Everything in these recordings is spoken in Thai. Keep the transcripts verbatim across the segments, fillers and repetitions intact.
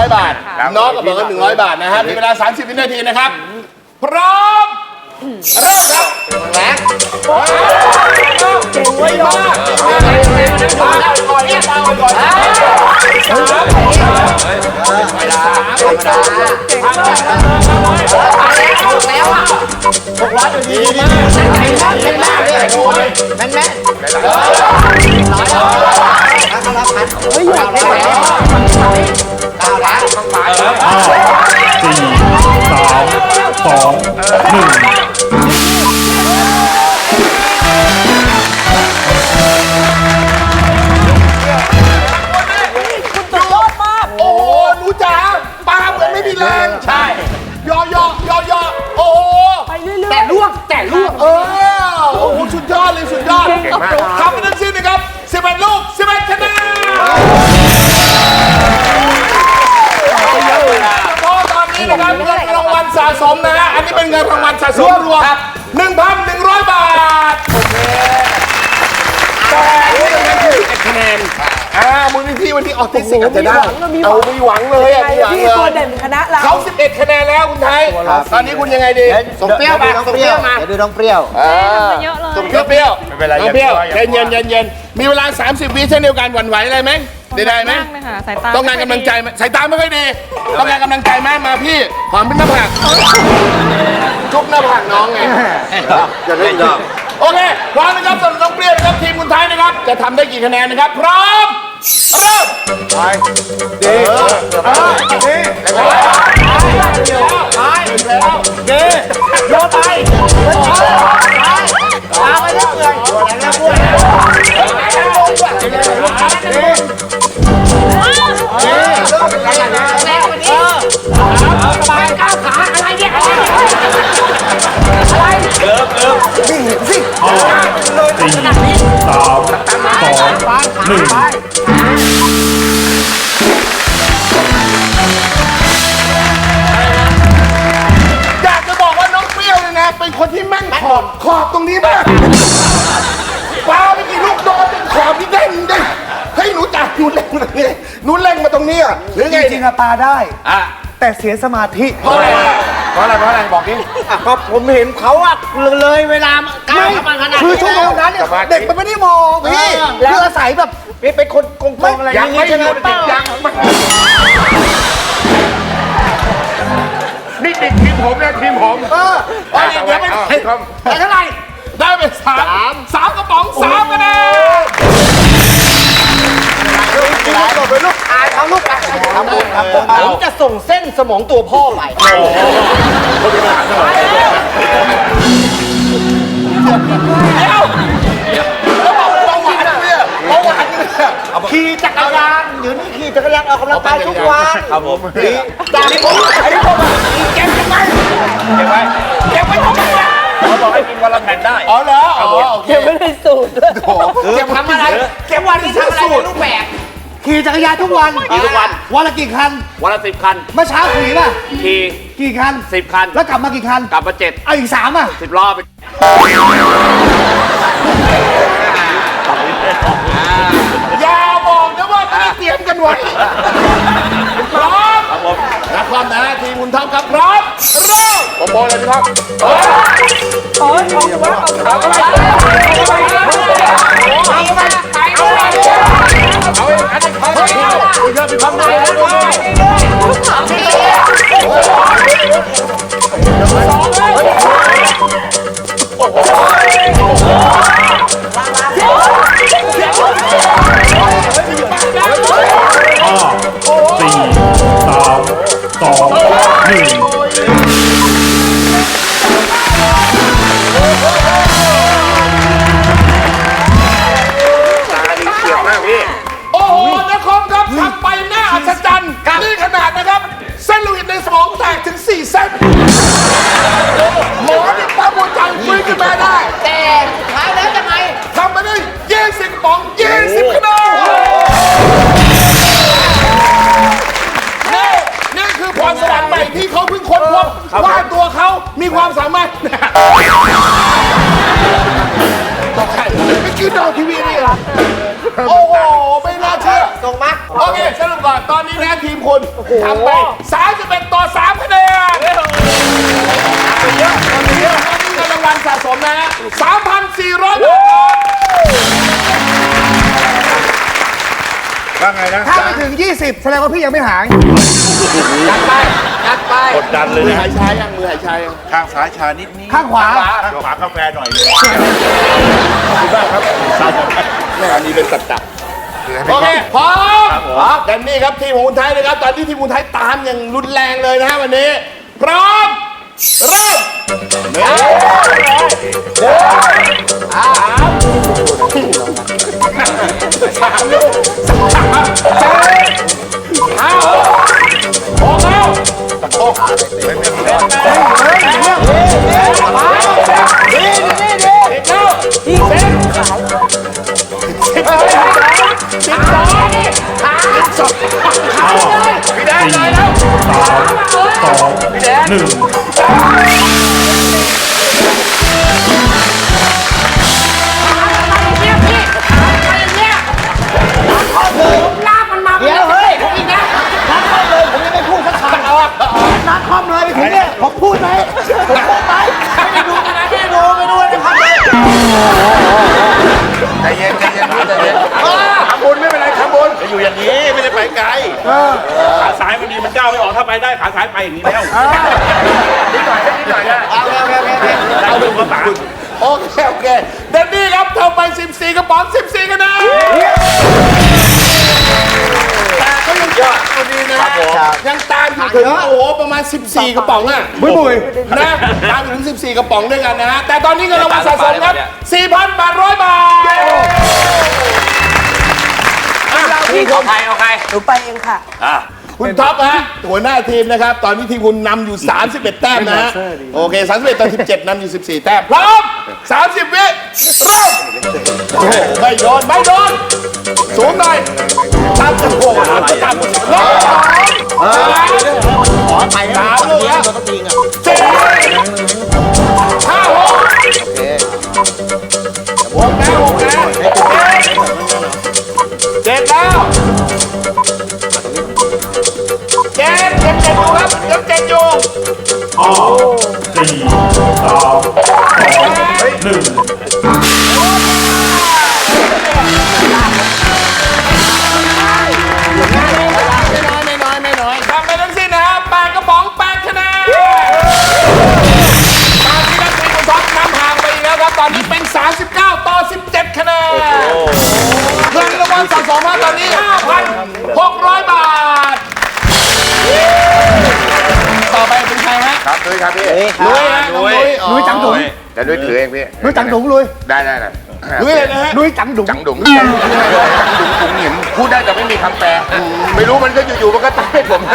อยบาทน้องกับเบิร์ดหนึ่งร้อยบาทนะฮะมีเวลาสามสิบวินาทีนะครับพร้อมเริ่มครับแรงเก่งไว้มากมาแล้วก่อนเนี่ยมาก่อนสามสามสามแล้วอ่ะหกร้อยดีมากแข็งมากแข็งมากเลยแม่นแม่นร้อยแล้วก็รับพันเฮ้ยอยากได้แล้วเก้าล้านห้าสี่สามสองหนึ่งแรงใช่ยอยอยอยอโอ้ไปเรื่อยๆแต่ล่วงแต่ล่วงเออโอ้โหสุดยอดเลยสุดยอดทำไปทั้งสิ้นนะครับสิบเอ็ดลูกสิบเอ็ดคะแนนเพราะตอนนี้นะครับเงินรางวัลสะสมนะฮะอันนี้เป็นเงินรางวัลสะสมรวมหนึ่งพันหนึ่งร้อยบาทแต่นี่เป็นเงินสิบเอ็ดคะแนนอ่ามูลนิธิวันที่ออทิสติกอาจจะได้เอามีหวังเลยอ่ะมีหวังเลยตัวเด่นคณะเราเขาสิบเอ็ดคะแนนแล้วคุณไทยตอนนี้คุณยังไงดีส่งเปรี้ยวมาส่งเปรี้ยวมาเดี๋ยวดูน้องเปรี้ยวส่งเปรี้ยวเปรี้ยวไม่เป็นไรน้องเปรี้ยวเย็นเย็นเย็นเย็นมีเวลาสามสิบวิเช่นเดียวกันหวั่นไหวอะไรไหมได้ได้ไหมต้องการกำลังใจสายตาไม่ค่อยดีต้องการกำลังใจมากมาพี่หอมเป็นหน้าผากจุ๊บหน้าผากน้องไงอย่าเล่นดอกโอเคพร้อมนะครับสำหรับน้องเปรี้ยวนะครับทีมคุณไทยนะครับจะทำได้กี่คะแนนนะครับพร้อมเริ่มไปดีดีไปแล้วดีโยนไปตามไปเรื่อยๆแล้วพูดสบายก้าวขาอะไรเนี่ยอะไรเริ่มเริ่มนี่เห็นสิสี่สามสองหนึ่งอยากจะบอกว่าน้องเปรี้ยวเนี่ยนะเป็นคนที่แม่งขอบขอบตรงนี้มากปาไปกี่ลูกโดนเป็นขอบที่เด้งเด้งเฮ้ยหนูจ่าหนูเล่งมาเนี่ยหนูเล่งมาตรงนี้อ่ะหรือไงจริงๆปาได้อ่ะแต่เสียสมาธิเพราะอะไรเพราะอะไรเพราะอะไรบอกดิก็ผมเห็นเขาอะเลยเวลาก้าวมาขนาดคือชั่วโมงนั้นเนี่ยเด็กมันไม่ได้มองพี่แล้วอาศัยแบบเป็นคนโกงๆอะไรอย่างนี้ใช่ไหมยังนี่ติดทีมผมนะทีมผมเออเดี๋ยวไปแต่เท่าไหร่ได้ไปสามสามกระป๋องสามคะแนนลูกเป็นลูกอายเขาลูกอายทำบุญทำบุญผมจะส่งเส้นสมองตัวพ่อไปเดี๋ยวแล้วบอกเบาหวานเนี่ยเบาหวานเนี่ยขี่จักรยานเดี๋ยวนี้ขี่จักรยานออกกำลังกายทุกวันครับผมจากนี้ผมไอ้นี่ผมเก็บยังไงเก็บไว้เก็บไว้ทำไมอ่ะเขาบอกให้กินวันละแผ่นได้อ๋อเหรอเก็บไม่ได้สูตรเก็บทำอะไรเก็บวันนี้ทำอะไรรูปแบบขี่จักรยานทุกวันขี่ทุกวันวันละกี่คันวันละสิบคันเมื่อเช้าขี่ป่ะขี่กี่คันสิบคันแล้วกลับมากี่คันกลับมาเจ็ดเอาอีกสามอ่ะสิบรอบอย่าบอกนะว่าไม่ได้เตรียมกันไว้พร้อมครับผมนักคอมนะทีมคุณท็อปครับพร้อมเริ่มผมบอกเลยครับโอ้ยโอ้ยเอาไปเอาไปเอาไปเอาไปเอาไปอันนี้เขาเที่ยวเยอะไปข้างในแล้วด้วยสองเลยโอ้โหสี่สามสองหนึ่งโอ้โหนะครับครับทำไปหน้าอัศจรรย์นี่ขนาดนะครับเส้นโลหิตในสมองแตกถึงสี่เส้นหมอเนี่ยปั๊มหัวใจฟื้นขึ้นมาได้แต่ท้ายแล้วยังไงทำมาได้ยี่สิบป๋องยี่สิบคะแนนนี่นี่คือพรสวรรค์ใหม่ที่เขาเพิ่งค้นพบว่าตัวเขามีความสามารถตกใจไม่คิดดูทีวีนี่เหรอโอ้โหไม่น่าเชื่อตรงมั้ยโอเคสรุปก่อนตอนนี้นะทีมคุณทำไปสามสิบเอ็ดต่อสามคะแนนเยอะเยอะเงินรางวัลสะสมนะฮะ สามพันสี่ร้อย บาทว่าไงนะถ้าไม่ถึงยี่สิบแสดงว่าพี่ยังไม่หายยัดไปยัดไปกดดันเลยมือนะหายชายังมือหายชายังข้างซ้ายชานิดนี้ข้างขวาข้างขวากาแฟหน่อยเลยขอบคุณมากครับสาวแม่อันนี้เป็นสัจจะโอเคพร้อมครับแดนนี่ครับทีมของคุณไทยนะครับตอนนี้ทีมคุณไทยตามอย่างรุนแรงเลยนะฮะวันนี้พร้อมเริ่มเฮ้ยเฮ้ยสามสามลูกสามเจ็ดห้าหกแล้วตะโกนเฮ้ยเฮ้ยเฮ้ยเฮ้ยเฮ้ยดีดีดีอีกแล้วอีกเส้นสิบสองสิบสองสิบสองพี่แดนเลยแล้วสามสองพี่แดนหนึ่งเดี๋ยวเฮ้ยผมอีกนะนัดคอมเลยผมยังไม่พูดสักคำเอาอะนัดคอมเลยไปถึงเนี่ยผมพูดไหมผมพูดไหมไม่ได้ดูนะไม่ได้ดูไม่ดูนะครับเลยใจเย็นใจเย็นใจเย็นทำบุญไม่เป็นไรทำบุญจะอยู่อย่างนี้ไม่ได้ไปไกลขาซ้ายมันดีมันก้าวไม่ออกถ้าไปได้ขาซ้ายไปอย่างนี้แล้วนิดหน่อยนิดหน่อยนะเอาโอเคโอเคโอเคได้ดูภาษาโอเคโอเคเดนนี่ครับทำไปสิบสี่กระป๋องสิบสี่คะแนนแต่ก็ยังยอดตัวนี้นะยังตามอยู่ถึงโอ้โหประมาณสิบสี่กระป๋องอ่ะบุ้ยบุ้ยนะตามถึงสิบสี่กระป๋องด้วยกันนะฮะแต่ตอนนี้เงินรางวัลสะสมครับ สี่พันแปดร้อย บาทพี่เอาใครเอาใครหนูไปเองค่ะคุณท็อปฮะหัวหน้าทีมนะครับตอนนี้ทีมคุณนำอยู่สามสิบเอ็ดแต้มนะฮะโอเคสามสิบเอ็ดต่อสิบเจ็ดนำอยู่สิบสี่แต้มพร้อมสามสิบวิเริ่มโอ้โหไม่โดนไม่โดนสูงหน่อยตามจะโค้งตามลบสองขอไปสามลูกแล้วสี่ห้าหกหกแล้วหกแล้วเจ็ดแล้วเจ็ดเจ็ดเจ็ดอยู่ครับยังเจ็ดอยู่ห้าสี่สามสองหนึ่งไม่น้อยไม่น้อยทำไปทั้งสิ้นนะครับแปดกระป๋องแปดคะแนนตอนนี้นักทีมคุณท็อปนำห่างไปอีกแล้วครับตอนนี้เป็นสามสิบเก้าต่อสิบเจ็ดคะแนนเงินรางวัลสะสมมาตอนนี้ ห้าพันหกร้อย บาทต่อไปเป็นใครฮะครับนุ้ยครับพี่นุ้ยฮะนุ้ยนุ้ยจังดุ๋งแต่นุ้ยถือเองพี่นุ้ยจังดุ๋งลุยได้ได้เลยนุ้ยเลยนะฮะนุ้ยจังดุ๋งจังดุ๋งจังดุ๋งผมเห็นพูดได้แต่ไม่มีคำแปลไม่รู้มันก็อยู่ๆมันก็ตายผม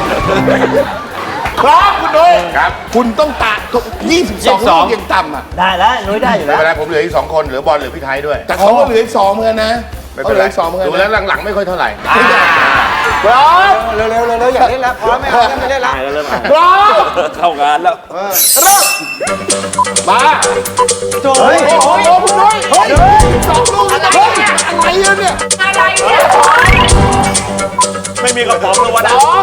ครับคุณนุ้ยครับคุณต้องตะยี่สิบสองลูกยังต่ำอ่ะได้แล้วนุ้ยได้อยู่แล้วเวลาผมเหลืออีกสองคนเหลือบอลเหลือพี่ไทยด้วยแต่เขาก็เหลืออีกสองเหมือนกันนะไม่เป็นไรดูแล้วหลังๆไม่ค่อยเท่าไหร่พร้อมเร็วเร็วเร็วอย่าเล่นแล้วพร้อมไม่เอาไม่เล่นแล้วพร้อมเข้างานแล้วเริ่มมาโอ้ยโอ้ยคุณนุ้ยเฮ้ยสองลูกอะไรเนี่ยอะไรเนี่ยอะไรเนี่ยไม่มีกระป๋องเลยวันสอง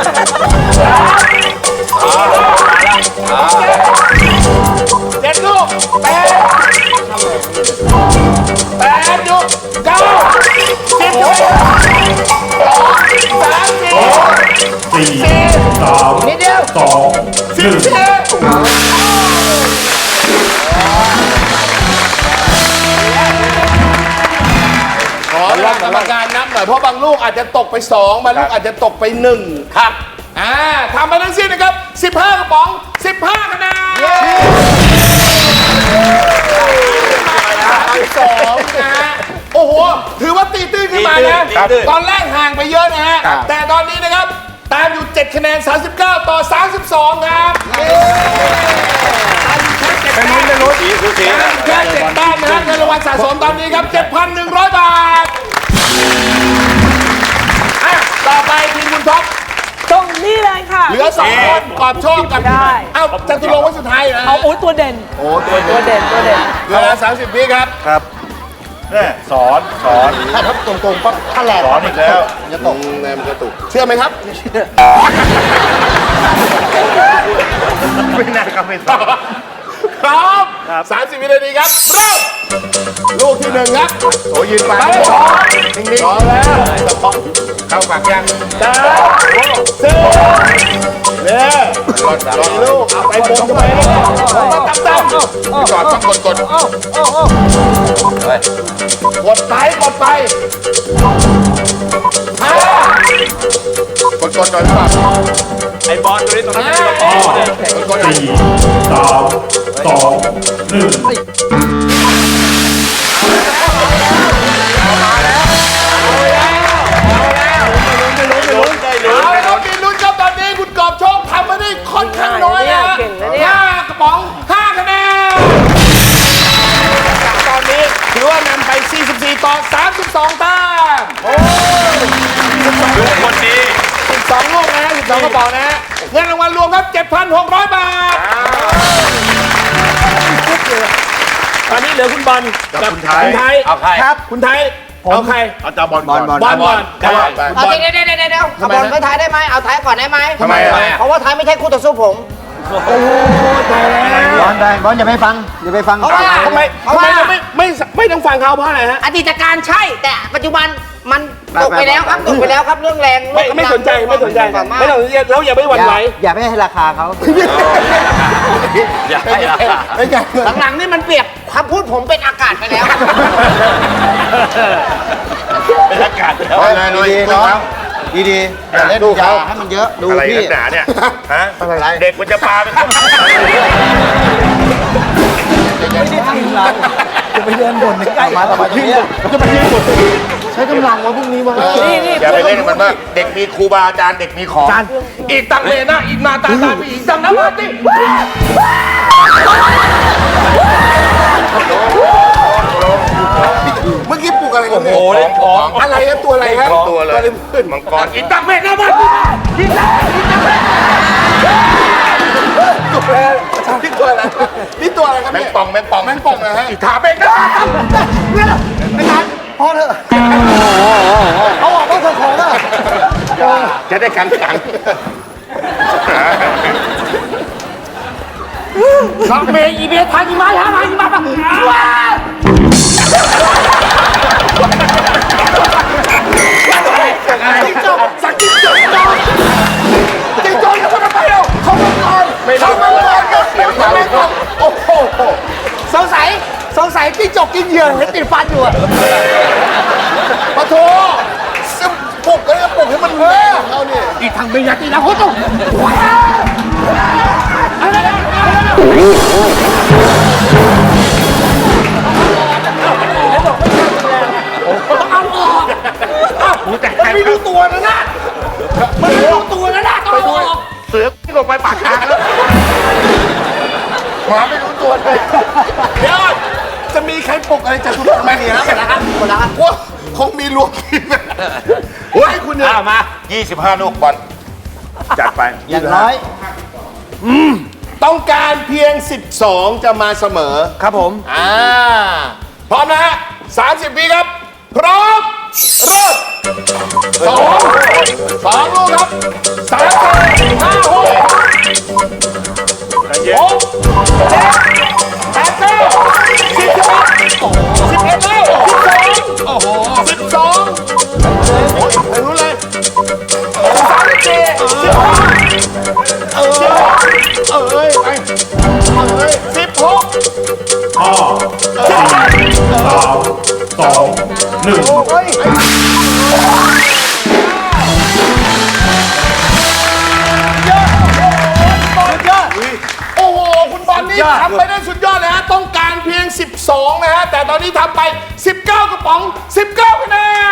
เจ็ดลูกแปดแปดลูกเก้าสิบลูกสามสี่สี่สามนิดเดียวสองสิบสี่ขอรับกรรมการนับหน่อยเพราะบางลูกอาจจะตกไปสองบางลูกอาจจะตกไปหนึ่งครับอ่าทำมาทั้งสิ้นนะครับสิบห้ากระป๋องสิบห้าคะแนนสองนะฮะโอ้โหถือว่าตีตื้นขึ้นมานะตอนแรกห่างไปเยอะนะฮะแต่ตอนนี้นะครับตามอยู่เจ็ดคะแนนสามสิบเก้าต่อสามสิบสองครับเป็นลุ้นเป็นลุ้นสีคือสีแค่เจ็ดแต้มนะฮะเงินรางวัลสะสมตอนนี้ครับ เจ็ดพันหนึ่งร้อย บาทอ่ะต่อไปทีมคุณท็อปตรงนี้เลยค่ะเหลือสองคนกอบโชคกับได้เอ้าจตุรงค์ไว้สุดท้ายนะเอาโอ้ยตัวเด่นโอ้ตัวตัวเด่นตัวเด่นเวลาสามสิบวิครับครับเนี่ยสอนสอนถ้าทับตรงๆปั๊บถ้าแหลกสอนอีกแล้วจะตกแนมกระตุกเชื่อไหมครับไม่น่าก็ไม่สอนพร้อมสามสิบวินาทีครับเริ่มลูกที่หนึ่งครับโอ้ยืนไปไปสองนิ่งๆสองแล้วเข้าปากยังสามสี่เนี่ยรอดรอดลูกเอาไปบนกันไปมาตั้มตั้มจอดต้องกดกดกดไปกดไปห้ากดกดหน่อยดีกว่าไอ้บอลตัวนี้ตรงนั้นจะมีกระป๋องเนี่ยกดกดหน่อยสี่สามสองหนึ่งเอาละครับมีลุ้นครับตอนนี้คุณกอบโชคทำมาได้ค่อนข้างน้อยนะเก่งนะเนี่ยห้ากระป๋องห้าคะแนนตอนนี้ถือว่านำไปสี่สิบสี่ต่อสามสิบสองแต้มโอ้ลูกคนนี้สิบสองลูกนะสิบสองกระป๋องนะเงินรางวัลรวมครับ เจ็ดพันหกร้อย บาทตอนนี้เหลือคุณบอลกับคุณไทยคุณไทยเอาใครครับคุณไทยเอาใครเอาจาบอลก่อนบอลบอลบอลได้เอาเดี๋ยวเดี๋ยวเดี๋ยวเดี๋ยวขบวนไม่ท้ายได้ไหมเอาท้ายก่อนได้ไหมทำไมอ่ะเพราะว่าท้ายไม่ใช่คู่ต่อสู้ผมบอลได้บอลอย่าไปฟังอย่าไปฟังเพราะว่าทำไมเพราะทำไมว่าเราไม่ไม่ไม่ต้องฟังเขาเพราะอะไรฮะอดีตการใช่ แต่ปัจจุบันมันตกไปแล้วครับตกไปแล้วครับเรื่องแรงไม่ไม่สนใจไม่สนใจความมากไม่ต้องแล้วอย่าไม่หวั่นไหวอย่าไปให้ราคาเขาอย่าให้ราคาไม่ใช่หลังๆนี่มันเปรียบคำพูดผมเป็นอากาศไปแล้วเป็นอากาศแล้วเอาเลยหน่อยดีดูๆเนาะเขาดีๆอย่าเล่นยาให้มันเยอะดูอะไรพี่กันหนาเนี่ยฮะอะไรเด็กมันจะปาเป็นคนจะไปเดินบนใกล้มาต่อมายืนจะไปยืนบนใช้กำลังวะพวกนี้วะอย่าไปเล่นกับมันมากเด็กมีครูบาอาจารย์เด็กมีของอีกตังเมนะอีกมาตาตาอีกตังน้ำมันดิเมื่อกี้ปลุกอะไรกันเนี่ยโอ้โหเล่นของอะไรครับตัวอะไรครับตัวเลยขึ้นมังกรอีกตังเมนะมันอีกตังอีกตังเมนี่ตัวอะไรนี่ตัวอะไรครับแมงเนี่ยป่องแมงป่องแมงป่องนะฮะอีถาเบงนะไม่ทันพอเถอะเขาบอกว่าเธอของอ่ะจะได้ขังขังตังเมอีเบทานิมาทามาอีมาปะจิ้งจกสักจิ้งจกจอกจิ้งจกเขาทำไมเอ่ะเขามังกรเขามังกรก็เสียงเขามังกรโอ้โหสงสัยสงสัยจิ้งจกกินเหยื่อเห็นติดฟันอยู่อะปะโถซึมปลุกก็จะปลุกให้มันเลิกเอาเนี่ยอีกทางเบียร์ตีแล้วโคตรมันไม่รู้ตัวนะนะมันไม่รู้ตัวนะนะไปดูเสือที่ลงไปปากทางแล้วหมาไม่รู้ตัวเลยเดี๋ยวจะมีใครปลุกอะไรจากทุกคนไหมเนี่ยครับว่าคงมีรวมทีมโอ้ยคุณเนี่ยอ้าวมายี่สิบห้าลูกบอลจัดไปอย่างน้อยต้องการเพียง สิบสอง จะมาเสมอครับผมอ่า พร้อมนะฮะสามสิบวิครับ พร้อม เริ่มสองสองลูกครับสามสี่ห้าหกหกเจ็ดแปดเก้าสิบสิบเอ็ดสิบเอ็ดแล้วสิบสองสิบสองไปรู้เลยสามสิบสี่สิบห้าเออเออเอ้ยไปเอ้ยสิบหกห้าสี่สามสองหนึ่งโอ้โห คุณบอลนี่ทำไปได้สุดยอดเลยฮะ ต้องการเพียง สิบสอง นะฮะ แต่ตอนนี้ทำไป สิบเก้ากระป๋อง สิบเก้าคะแนน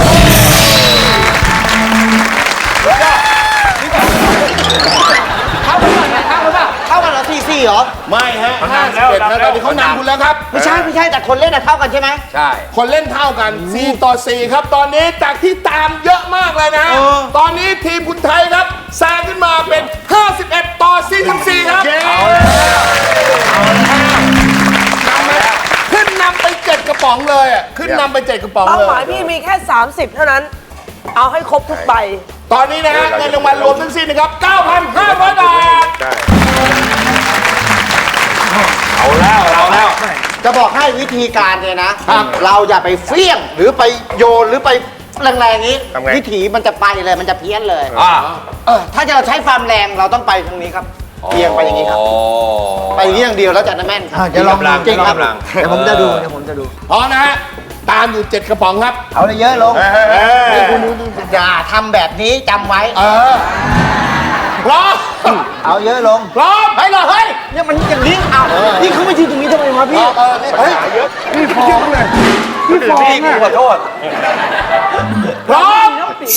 เข้ากันก่อนไหมเข้ากันเปล่าเข้ากันเหรอสี่สี่เหรอไม่ฮะห้าสิบเอ็ดนะตอนนี้เขานำคุณแล้วครับไม่ใช่ไม่ใช่แต่คนเล่นอะเท่ากันใช่ไหมใช่คนเล่นเท่ากัน สี่ ต่อ สี่ ครับ ตอนนี้จากที่ตามเยอะมากเลยนะ ตอนนี้ทีมคุณไทยครับแซงขึ้นมาเป็น ห้าสิบเอ็ด ต่อ สี่สิบสี่ ครับนำแล้วขึ้นขึ้นนำไปเจ็ดกระป๋องเลยอ่ะขึ้นนำไปเจ็ดกระป๋องเป้าเลยหมายพี่มีแค่ สามสิบ เท่านั้น เอาให้ครบทุกใบตอนนี้นะฮะเงินรางวัลรวมทั้งสิ้นนะครับ เก้าพันห้าร้อย บาทเอาแล้วเอาแล้วจะบอกให้วิธีการเนี่ยนะ เราอย่าไปเฟี้ยงหรือไปโยนหรือไปแรงๆนี้ทำไงวิถีมันจะไปเลยมันจะเพี้ยนเลยอ่าเออถ้าจะเราใช้ความแรงเราต้องไปทางนี้ครับเอียงไปอย่างนี้ครับ ไปอย่างนี้อย่างเดียวแล้วจะแม่นครับเดี๋ยวลองจริงครับเดี๋ยวลองเดี๋ยวผมจะดูเดี๋ยวผมจะดูพร้อมนะฮะตามอยู่เจ็ดกระป๋องครับเอาเลยเยอะลงเออคุณอย่าทำแบบนี้จำไว้เออพร้อมเอาเยอะลงพร้อมเฮ้ยเหรอเฮ้ยเนี่ยมันอย่างนี้เอานี่เขาไม่ยืนตรงนี้ทำไมวะพี่เออเฮ้ยพี่ฟองเลยพี่ฟองพี่กูขอโทษพร้อม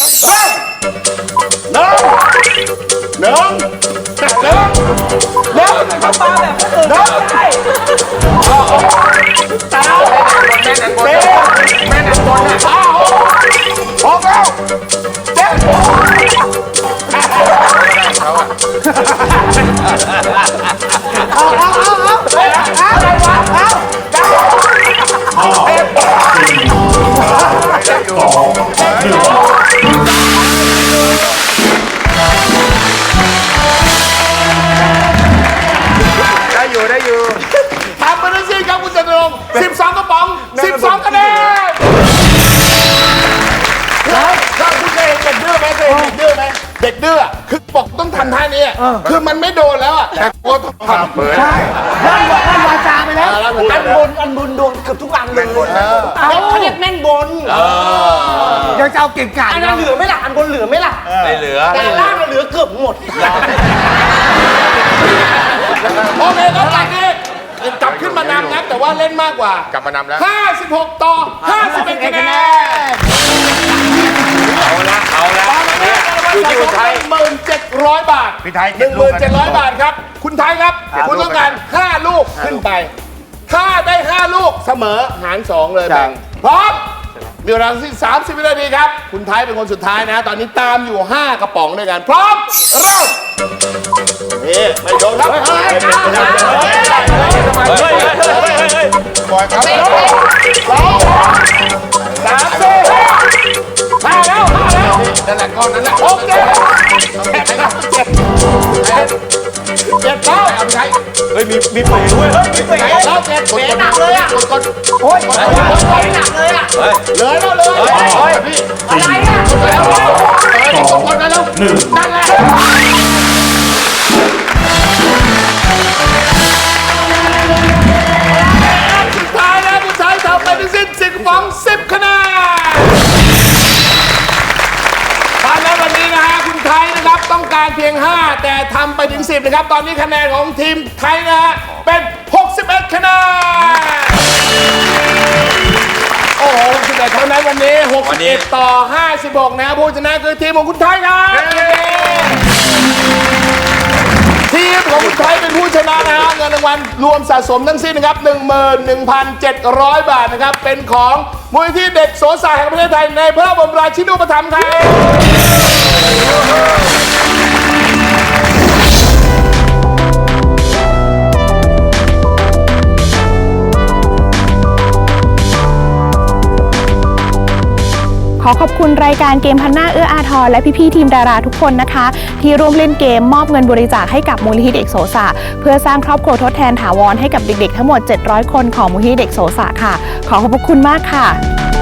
เริ่มหนึ่งหนึ่งหนึ่งหนึ่งเขาปาแบบคนอื่นไม่ได้สามสี่แม่นันบนห้าหกแล้วเจ็ดเอาเอาเอาเอาอะไรวะเอาห้าสี่สองหนึ่งได้อยู่ได้อยู่ทำไปทั้งสิ้นครับคุณจตุรงค์สิบสองกระป๋องสิบสองคะแนนแล้วถ้าคุณเคยเห็นเด็กดื้อไหมเคยเห็นเด็กดื้อไหมเด็กดื้อคือบอกต้องทำท่านี้คือมันไม่โดนแล้วอ่ะแต่กลัวต้องทำเปิดลั่นลั่นวาจาไปแล้วแล้วอันบนอันบนโดนเกือบทุกอันเลยเขาเรียกแม่นบนยังจะเอาเก่งกาจอันนั้นเหลือไหม่ล่ะอันบนเหลือไหม่ล่ะไม่เหลือแต่ล่างมันเหลือเกือบหมดโอเคครับจากนี้กลับขึ้นมานำนะแต่ว่าเล่นมากกว่ากลับมานำแล้วห้าสิบหกต่อห้าสิบเอ็ดคะแนนเอาละเอาละตอนนี้เนี่ยอยู่ที่คุณไทยหนึ่งหมื่นเจ็ดร้อยบาทพี่ไทยหนึ่งหมื่นเจ็ดร้อยบาทครับ คุณไทยครับ คุณต้องการห้าลูกขึ้นไป ถ้าได้ห้าลูกเสมอหารสองเลยแบ่งพร้อม มีเวลาทั้งสิ้นสามสิบวินาทีครับ คุณไทยเป็นคนสุดท้ายนะ ตอนนี้ตามอยู่ห้ากระป๋องด้วยกัน พร้อม เริ่มนี่ไม่โดนครับเฮ้ยเฮ้ยเฮ้ยเฮ้ยบอยครับสองสามสี่ห้าแล้วห้าแล้วนั่นแหละก้อนนั้นแหละหกเจ็ดเจ็ดแล้วเจ็ดเจ็ดเจ็ดแล้วเอาไปใช้เฮ้ยมีมีเป๋ด้วยเฮ้ยมีเป๋เจ็ดแล้วเจ็ดกดกดหนักเลยอ่ะกดกดโอ้ยหนักเลยอ่ะเฮ้ยเลยแล้วเลยเฮ้ยพี่อะไรอ่ะแล้วสองหนึ่งนั่นแหละสุดท้ายแล้วคุณชายทำไปทั้งสิ้นสิบฟองสิบคะแนนตอนนั้นวันนี้นะฮะคุณไทยนะครับต้องการเพียงห้าแต่ทำไปถึงสิบนะครับตอนนี้คะแนนของทีมไทยนะฮะเป็นหกสิบเอ็ดคะแนนโอ้โหสิบเอ็ดเท่านั้นวันนี้หกสิบเอ็ดต่อห้าสิบหกนะผู้ชนะคือทีมของคุณไทยครับทีมของคุณไทยเป็นผู้ชนะนะฮะเงินรางวัลรวมสะสมทั้งสิ้นนะครับ หนึ่งหมื่นหนึ่งพันเจ็ดร้อย บาทนะครับเป็นของมูลนิธิเด็กโสสารแห่งประเทศไทยในพระบรมราชินูปถัมภ์ครับขอขอบคุณรายการเกมพันหน้าเอื้ออาทรและพี่ๆทีมดาราทุกคนนะคะ ที่ร่วมเล่นเกมมอบเงินบริจาคให้กับมูลนิธิเด็กโสสะเพื่อสร้างครอบครัวทดแทนถาวรให้กับเด็กๆทั้งหมดเจ็ดร้อยคนของมูลนิธิเด็กโสสะค่ะขอขอบพระคุณมากค่ะ